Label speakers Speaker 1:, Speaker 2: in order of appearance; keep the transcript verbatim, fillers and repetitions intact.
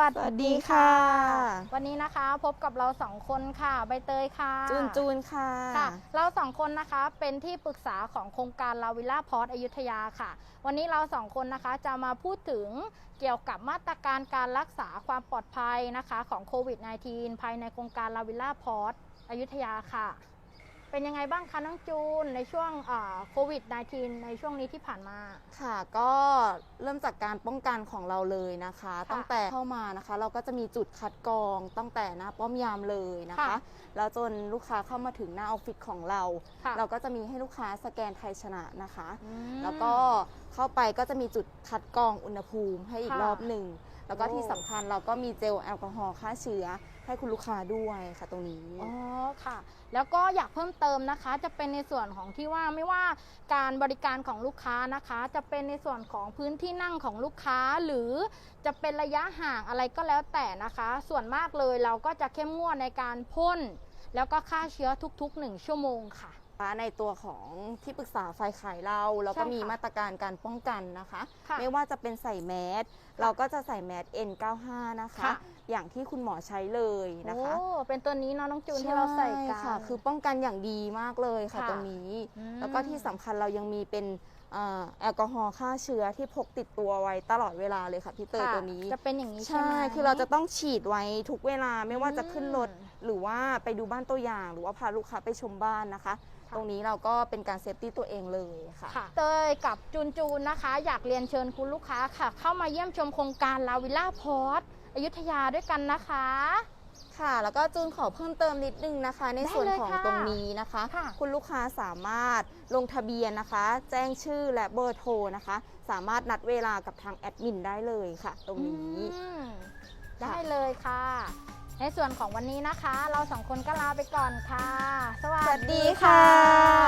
Speaker 1: วัส
Speaker 2: สวัส
Speaker 1: ดี
Speaker 2: ดี
Speaker 1: ค่ะ
Speaker 2: ค่ะ
Speaker 1: วันนี้นะคะพบกับเราสองคนค่ะใบเตยค่ะ
Speaker 2: จูนจูนค่ะ
Speaker 1: ค่ะ เราสองคนนะคะเป็นที่ปรึกษาของโครงการลาวิลล่าพอร์ตอยุธยาค่ะ วันนี้เราสองคนนะคะจะมาพูดถึงเกี่ยวกับมาตรการการรักษาความปลอดภัยนะคะของโควิด สิบเก้า ภายในโครงการลาวิลล่าพอร์ตอยุธยาค่ะ เป็นยังไงบ้างคะน้องจูนในช่วงโควิด สิบเก้า ในช่วงนี้ที่ผ่านมา
Speaker 2: ค่ะก็เริ่มจากการป้องกันของเราเลยนะคะ ตั้งแต่เข้ามานะคะเราก็จะมีจุดคัดกรองตั้งแต่หน้าป้อมยามเลยนะคะแล้วจนลูกค้าเข้ามาถึงหน้าออฟฟิศของเรา เราก็จะมีให้ลูกค้าสแกนไทยชนะนะคะแล้วก็เข้าไปก็จะมีจุดคัดกรองอุณหภูมิให้อีกรอบหนึ่งแล้วก็ที่สำคัญเราก็มีเจลแอลกอฮอล์ฆ่าเชื้อให้คุณลูกค้าด้วยค่ะตรงนี้
Speaker 1: อ๋อค่ะแล้วก็อยากเพิ่มเติมนะคะจะเป็นในส่วนของที่ว่าไม่ว่าการบริการของลูกค้านะคะจะเป็นในส่วนของพื้นที่นั่งของลูกค้าหรือจะเป็นระยะห่างอะไรก็แล้วแต่นะคะส่วนมากเลยเราก็จะเข้มงวดในการพ่นแล้วก็ฆ่าเชื้อทุกๆหนึ่งชั่วโมงค่ะ
Speaker 2: ในตัวของที่ปรึกษาฝ่ายขายเราเราก็มีมาตรการการป้องกันนะคะไม่ว่าจะเป็นใส่แมสเราก็จะใส่แมส เอ็น เก้าสิบห้า นะคะอย่างที่คุณหมอใช้เลยนะคะ
Speaker 1: โอ้เป็นตัวนี้เนาะน้องจูนที่เราใส่กัน
Speaker 2: ค่ะคือป้องกันอย่างดีมากเลยค่ะตรงนี้แล้วก็ที่สำคัญเรายังมีเป็นแอลกอฮอล์ฆ่าเชื้อที่พกติดตัวไว้ตลอดเวลาเลยค่ะพี่เตยตัวนี้
Speaker 1: จะเป็นอย่างนี้ใช่ไหม
Speaker 2: คือเราจะต้องฉีดไว้ทุกเวลาไม่ว่าจะขึ้นรถหรือว่าไปดูบ้านตัวอย่างหรือว่าพาลูกค้าไปชมบ้านนะคะตรงนี้เราก็เป็นการเซฟตี้ตัวเองเลยค่ะ
Speaker 1: เตยกับจูนจูนนะคะอยากเรียนเชิญคุณลูกค้าค่ะเข้ามาเยี่ยมชมโครงการลาวิลล่าพอร์ตอยุธยาด้วยกันนะคะ
Speaker 2: ค่ะแล้วก็จูนขอเพิ่มเติมนิดนึงนะคะในส่วนของตรงนี้นะคะคุณลูกค้าสามารถลงทะเบียนนะคะแจ้งชื่อและเบอร์โทรนะคะสามารถนัดเวลากับทางแอดมินได้เลยค่ะตรงนี้
Speaker 1: ได้เลยค่ะในส่วนของวันนี้นะคะเราสองคนก็ลาไปก่อนค่ะสวัสดีค่ะ